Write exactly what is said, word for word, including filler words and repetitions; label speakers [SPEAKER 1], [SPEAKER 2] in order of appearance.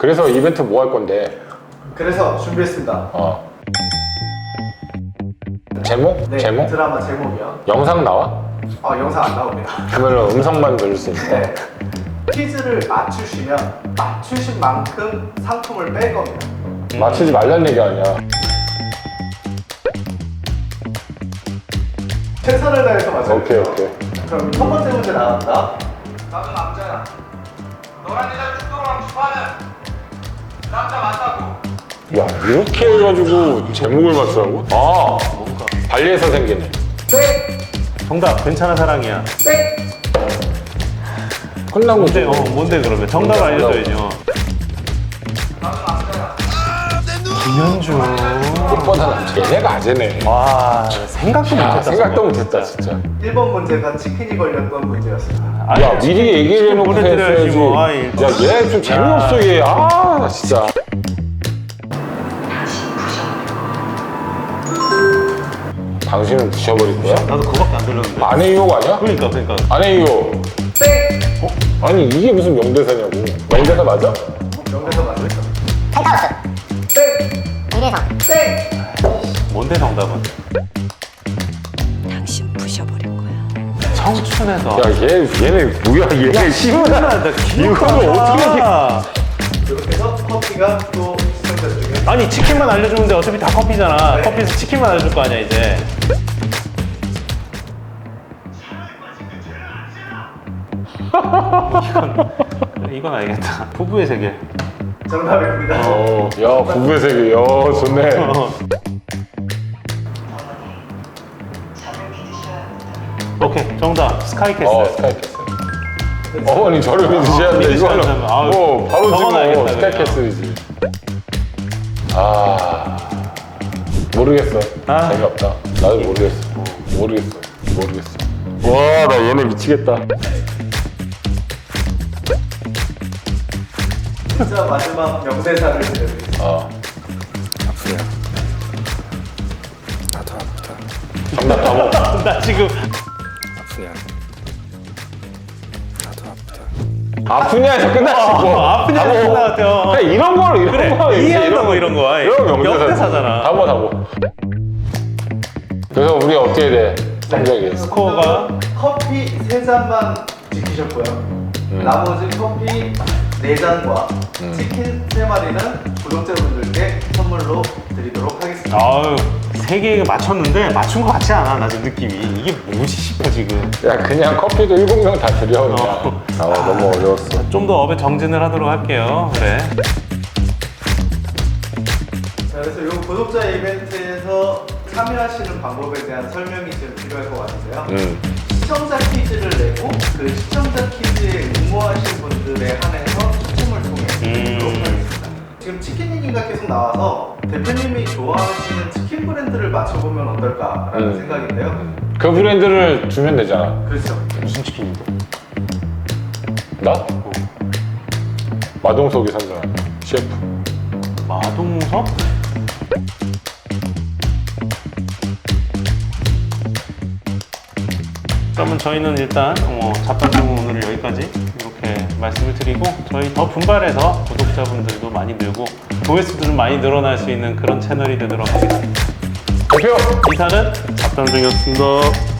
[SPEAKER 1] 그래서 이벤트 뭐 할 건데?
[SPEAKER 2] 그래서 준비했습니다.
[SPEAKER 1] 어. 제목?
[SPEAKER 2] 네,
[SPEAKER 1] 제목?
[SPEAKER 2] 드라마 제목이요.
[SPEAKER 1] 영상 나와?
[SPEAKER 2] 아, 영상 안 나옵니다.
[SPEAKER 1] 그러면 음성만 들을 수 있어.
[SPEAKER 2] 네. 퀴즈를 맞추시면 맞추신 만큼 상품을 뺄 겁니다.
[SPEAKER 1] 맞추지 말란 얘기 아니야.
[SPEAKER 2] 최선을 다해서 맞춰요.
[SPEAKER 1] 오케이, 오케이.
[SPEAKER 2] 그럼 첫 번째 문제 나갑니다.
[SPEAKER 3] 나도 남자야. 너랑 여자 뚜껑랑 추파는 남자 맞다고.
[SPEAKER 1] 야, 이렇게 해가지고 제목을 맞추라고? 아, 발리에서 생기네.
[SPEAKER 2] 땡!
[SPEAKER 4] 정답 괜찮은 사랑이야.
[SPEAKER 2] 땡!
[SPEAKER 1] 끝난 거지.
[SPEAKER 4] 뭔데? 어 뭔데 그러면 정답
[SPEAKER 1] 정답,
[SPEAKER 4] 알려줘야죠.
[SPEAKER 3] 나도 남자야.
[SPEAKER 4] 김현주.
[SPEAKER 1] 꽃보다 남자. 얘네가 아재네.
[SPEAKER 4] 와 생각도
[SPEAKER 1] 야,
[SPEAKER 4] 못했다.
[SPEAKER 1] 생각도 못했다, 진짜.
[SPEAKER 2] 일 번 문제가 치킨이 걸렸던 문제였습니다.
[SPEAKER 4] 아니,
[SPEAKER 1] 야, 미리 얘기를 해놓고
[SPEAKER 4] 보내드려야지
[SPEAKER 1] 했어야지.
[SPEAKER 4] 뭐. 아이,
[SPEAKER 1] 야, 얘 좀 재미없어, 얘. 아, 나 진짜. 당신은 부셔버릴 거야?
[SPEAKER 4] 나도 그거밖에 안 들렸는데.
[SPEAKER 1] 아내 유혹 아니야?
[SPEAKER 4] 그러니까 그러니까.
[SPEAKER 1] 아내 유혹.
[SPEAKER 2] 땡!
[SPEAKER 1] 어? 아니, 이게 무슨 명대사냐고. 명대사 맞아?
[SPEAKER 2] 명대사 맞으죠?
[SPEAKER 5] 펜트하우스,
[SPEAKER 2] 땡!
[SPEAKER 5] 위례성,
[SPEAKER 2] 땡!
[SPEAKER 4] 뭔데 정답은?
[SPEAKER 6] 당신 부셔버릴 거야.
[SPEAKER 4] 청춘에서.
[SPEAKER 1] 야, 얘, 얘네 뭐야, 얘.
[SPEAKER 4] 시원하다.
[SPEAKER 1] 이거를 어떻게
[SPEAKER 2] 이렇게 해서 커피가 또 시청자 중에
[SPEAKER 4] 아니 치킨만 알려주는데 어차피 다 커피잖아.
[SPEAKER 2] 네.
[SPEAKER 4] 커피에서 치킨만 알려줄 거 아니야 이제. 이건 이건 알겠다. 부부의 세계.
[SPEAKER 2] 정답입니다.
[SPEAKER 1] 어, 야, 부부의 세계. 야, 좋네.
[SPEAKER 4] 어. 오케이 정답 스카이캐슬.
[SPEAKER 1] 어, 스카이캐슬. 어머니 저를 믿으셔야 돼.
[SPEAKER 4] 믿으셔야
[SPEAKER 1] 이거는
[SPEAKER 4] 된다면, 아유,
[SPEAKER 1] 뭐 바로
[SPEAKER 4] 적어놔야겠다,
[SPEAKER 1] 지금 스카이캐슬이지. 아, 모르겠어.
[SPEAKER 4] 아.
[SPEAKER 1] 재미없다. 나도 모르겠어. 모르겠어. 모르겠어. 와, 나 얘네 미치겠다.
[SPEAKER 2] 진짜 마지막 명대사를 들려드리겠습니다.
[SPEAKER 1] 어. 정답 바보.
[SPEAKER 4] 나 지금
[SPEAKER 1] 아프냐에서 끝났지 뭐.
[SPEAKER 4] 어, 아프냐에서
[SPEAKER 1] 바보.
[SPEAKER 4] 끝난 것 같아요.
[SPEAKER 1] 그냥 이런 걸 이런
[SPEAKER 4] 그래,
[SPEAKER 1] 거
[SPEAKER 4] 이해한다고 이런 거.
[SPEAKER 1] 이런
[SPEAKER 4] 명대사잖아.
[SPEAKER 1] 다보 다보. 그래서 우리 어떻게 돼? 성적이.
[SPEAKER 4] 스코어가
[SPEAKER 2] 커피 세 잔만 지키셨고요. 나머지 커피 네 잔과 치킨 세 마리는 구독자분들께 선물로 드리도록 하겠습니다.
[SPEAKER 4] 아유 세 개 맞췄는데 맞춘 거 같지 않아. 나 지금 느낌이 이게 뭐지 싶어 지금.
[SPEAKER 1] 야, 그냥 커피도 일곱 명 다 드려 그냥.
[SPEAKER 4] 어.
[SPEAKER 1] 아, 너무 어려웠어.
[SPEAKER 4] 좀 더 업에 정진을 하도록 할게요. 그래.
[SPEAKER 2] 자, 그래서 이 구독자 이벤트에서 참여하시는 방법에 대한 설명이 좀 필요할 것 같은데요.
[SPEAKER 1] 음.
[SPEAKER 2] 시청자 퀴즈를 내고 그 시청자 퀴즈에 응모하신 분들에 한해서 추첨을 통해 드리도록
[SPEAKER 4] 음.
[SPEAKER 2] 하겠습니다. 지금 치킨 얘기가 계속 나와서 대표님이 좋아하시는 치킨 브랜드를 맞춰보면 어떨까라는
[SPEAKER 1] 음.
[SPEAKER 2] 생각인데요.
[SPEAKER 1] 그 브랜드를 주면 되잖아.
[SPEAKER 2] 그렇죠.
[SPEAKER 4] 무슨 치킨인데?
[SPEAKER 1] 나? 마동석이 선정한 셰프.
[SPEAKER 4] 마동석? 그러면 저희는 일단 어, 잡담중 오늘 여기까지 이렇게 말씀을 드리고 저희 더 분발해서 구독자분들도 많이 늘고 조회수도 좀 많이 늘어날 수 있는 그런 채널이 되도록 하겠습니다.
[SPEAKER 1] 대표!
[SPEAKER 4] 이사는 잡담중이었습니다.